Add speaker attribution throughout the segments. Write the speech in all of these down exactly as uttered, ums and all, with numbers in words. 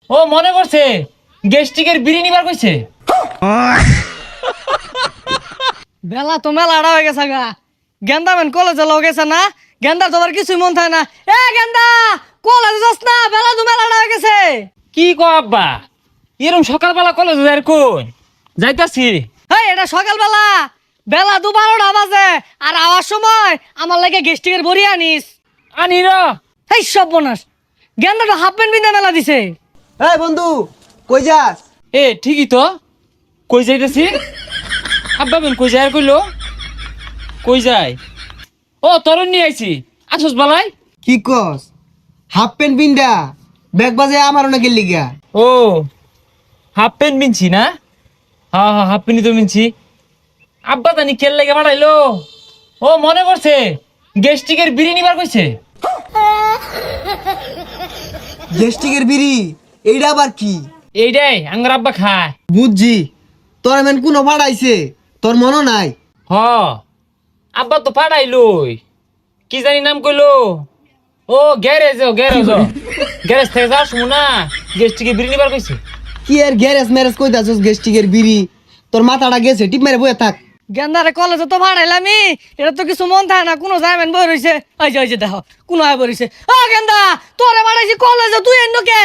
Speaker 1: ও মনে করছে গেস্টিকের বিড়ি নিবার কইছে।
Speaker 2: বেলা তো মেলা আড়া হয়ে গেছে গা। গেন্দা মেন কলেজে লও গেছে না, গেন্দার তোমার কিছুই মন থাকে না। এ গেন্দা কলেজে যাস না, বেলা তো মেলা আড়া হয়ে গেছে।
Speaker 1: কি কো আব্বা, এরম সকালবেলা কলেজ যাই কোন যাইতাছি।
Speaker 2: হেই এটা সকালবেলা, বেলা দু বারোটা বাজে, আর আওয়ার সময় আমার লাগে গেস্টিকের বড়ি আনিস।
Speaker 1: আনি র।
Speaker 2: এই সব বোনাস, গেন্দাটা হাফ প্যান্ট বিন্দা মেলা দিছে।
Speaker 3: এই বন্ধু কই যাস?
Speaker 1: এ ঠিকই তো, কই যাইতাছি? আব্বা বেন কই যায় আর কইলো কই যায়? ও তরুণ নিয়ে আইছি, আসস বালাই।
Speaker 3: কি কস? হাফ প্যান্ট বিন্দা ব্যাগ বাজে আমার অনেক গেলি গা।
Speaker 1: ও হাফ প্যান্ট মিনছি না? হ্যাঁ হ্যাঁ হাফ প্যান্টই তো মিনছি। আব্বা জানি কেল লেগে বাড়াইলো। ও মনে করছে গেস্টিকের বিড়ি নিবার কইছে।
Speaker 3: গেস্টিকের বিড়ি এইটা আবার কি?
Speaker 1: এইটাই আঙ্গার আব্বা খায়।
Speaker 3: বুঝছি, তোর এমন কোনো ভাড়াইছে তোর মনে নাই?
Speaker 1: হ আব্বা তো পাঠাইলই, কি জানি নাম কইলো। ও গ্যারেজ, ও গ্যারেজ, গ্যারেজ থেকে যাস না গেস্টিকে বিড়ি নিবার কইছে।
Speaker 3: কি আর গ্যারেজ ম্যারেজ কই দাসস? গেস্টিকের বিড়ি তোর মাথাটা গেছে, টিপ মেরে বয়ে থাক।
Speaker 2: গেন্দারে কলেজে তো ভাড়াইলামি, এটা তো কিছু মন থাকে না। কোনো যাইবেন বই রইছে, ওই যে ওই যে দেখো কোনো আয় বই রইছে। ও গেন্দা তোরে ভাড়াইছি কলেজে, তুই এন্ন কে?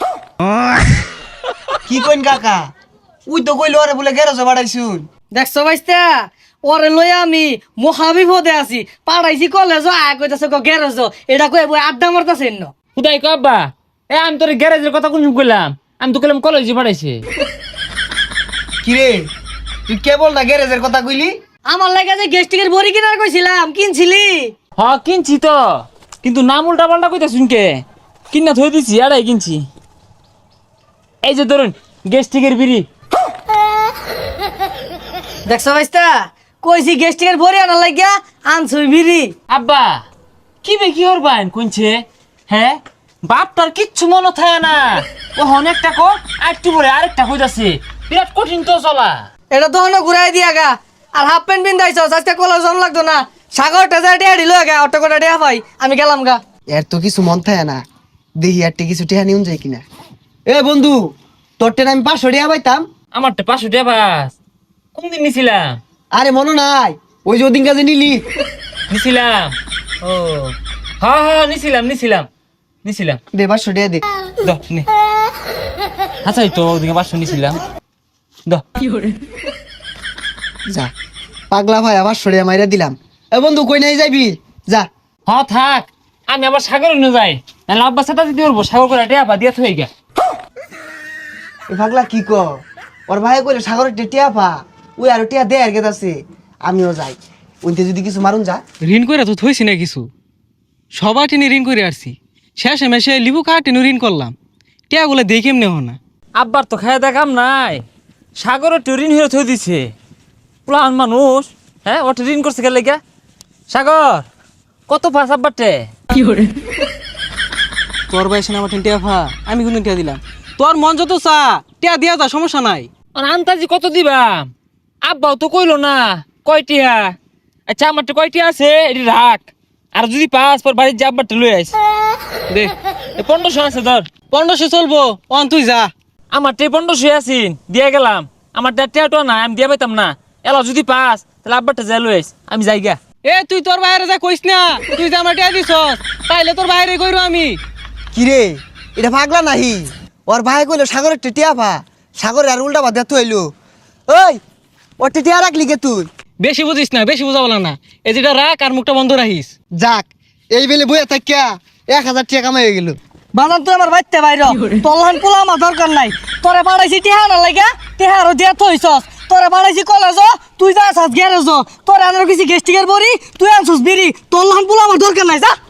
Speaker 3: কি কইন কাকা? উই তো কইলো আরে বলে গ্যারেজে ভাড়াইছুন।
Speaker 2: দেখছো ভাইস্তা, ওরে লই আমি মহাবিপদে আছি। পাড়াইছি কলেজ, আয় কইতাছে গো গ্যারেজ, এটা কই বই আড্ডা মারতাছে এন্ন।
Speaker 1: খুদাই কো আব্বা, এ আমি তোর গ্যারেজের কথা কোন কইলাম? আমি তো কইলাম কলেজে পাঠাইছে।
Speaker 3: কি রে তুই কেবল না গ্যারেজের কথা কইলি?
Speaker 2: আমার লাগে যে গেস্টিকের বড়ি কিনার কইছিলাম, কিনছিলি?
Speaker 1: হ কিনছি তো, কিন্তু নাম উল্টা পাল্টা কইতা শুনকে কিনা থই দিছি। আড়াই কিনছি। এই যে ধরুন গেস্টিকের বিড়ি।
Speaker 2: দেখছো ভাইস্তা, কইছি গেস্টিকের বড়ি আনার লাগিয়া আনছুই বিড়ি।
Speaker 1: আব্বা কি বে কি হরবান কোনছে? হ্যাঁ বাপটার কিচ্ছু মনে থাকে না। ও অনেকটা কো আরেকটু পরে আরেকটা কইতাছে, বিরাট কঠিন তো চলা।
Speaker 2: এটা তো অন্য ঘুরাই দিয়া গা। আর হাফ প্যান্ট বিন্দাইছ, আজকে কলেজ জন লাগতো না। সাগরটা যা টিয়া দিল গা, অটো করে টিয়া পাই, আমি গেলাম গা।
Speaker 3: এর তো কিছু মন থাকে না, দেখি আর কিছু টেহা নিউন যায় কিনা। এ বন্ধু, তোর টেন আমি পাঁচশো টিয়া পাইতাম।
Speaker 1: আমার তো পাঁচশো টাকা বাস কোনদিন নিছিলাম?
Speaker 3: আরে মনে নাই ওই যে ওদিন কাজে নিলি?
Speaker 1: নিছিলাম। ও হ্যাঁ হ্যাঁ নিছিলাম নিছিলাম নিছিলাম।
Speaker 3: দে পাঁচশো টিয়া দে।
Speaker 1: দ নে। আচ্ছা এই তো ওদিকে পাঁচশো নিছিলাম। দ
Speaker 3: যা পাগলা ভাই আবার সরিয়া মাইরা দিলাম। এ বন্ধু কই নাই যাবি? যা।
Speaker 1: হ থাক, আমি আবার সাগর নিয়ে যাই, নাহলে আব্বা সাথে দিতে পারবো। সাগর করে টেয়া পা দিয়া থই গা।
Speaker 3: এ পাগলা কি ক? ওর ভাই কইলে সাগরের টিয়া পা, ওই আর টিয়া দে আর গেতাছে। আমিও যাই, ওইতে যদি কিছু মারুন যা।
Speaker 4: ঋণ করে তো থইছি না কিছু, সবার টেনে ঋণ করে আসছি। শেষে মেশে লিবু কার টেনে ঋণ করলাম, টিয়াগুলো দেখে এমনি হো না।
Speaker 1: আব্বার তো খায় দেখাম নাই, সাগরের তো ঋণ হয়ে থই দিছে। প্লান মানুষ, হ্যাঁ ওটা ঋণ করছে গেলে গা। সাগর কত পাস আব্বারটে?
Speaker 4: তোর বয়সে আমার টেন টিয়া ফা, আমি কিন্তু টিয়া দিলাম। তোর মন যত চা টিয়া দিয়া যা, সমস্যা নাই।
Speaker 1: আর আন্তাজি কত দিবাম? আব্বাও তো কইলো না কয়টিয়া। আচ্ছা আমারটা কয়টিয়া আছে এটি রাখ, আর যদি পাস পর বাড়ির যে আব্বারটা লই আইস
Speaker 4: দে
Speaker 1: পনেরোশো আছে ধর।
Speaker 4: পনেরোশো চলবো, অন তুই যা।
Speaker 1: আমার টে পনেরোশো আছিন দিয়ে গেলাম। আমার টেয়াটো না আমি দিয়ে পাইতাম না। এলা যদি পাস তাহলে আব্বারটা যাই লই আইস, আমি যাই গা।
Speaker 4: এ তুই তোর বাইরে যা কইস না, তুই যে আমার টিয়া দিছস তাইলে তোর বাইরে কইরো আমি।
Speaker 3: কি রে এটা পাগলা নাহি? ওর ভাই কইলো সাগরের টিয়া পা, সাগরের আর উল্টা বাদ তো হইলো। ওই ওর টিয়া রাখলি কে তুই?
Speaker 4: বেশি বুঝিস না, বেশি বুঝা বলা না। এই যেটা রাখ আর মুখটা বন্ধ রাখিস।
Speaker 3: যাক এই বেলে বইয়া থাকিয়া এক হাজার টাকা কামাই হয়ে গেল।
Speaker 2: বাজান তুই আমার বাইতে বাইর, তলহান পোলা আমার দরকার নাই। তোরে পাড়াইছি টিহা না লাগা, টিহা আরো দিয়া থইছস। তোরে পাড়াইছি কলেজ, তুই যা আসাস গ্যারেজ। তোরে আনার কিছু গেস্টিকের বড়ি, তুই আনছস বিড়ি। তলহান পোলা আমার দরকার নাই, যা।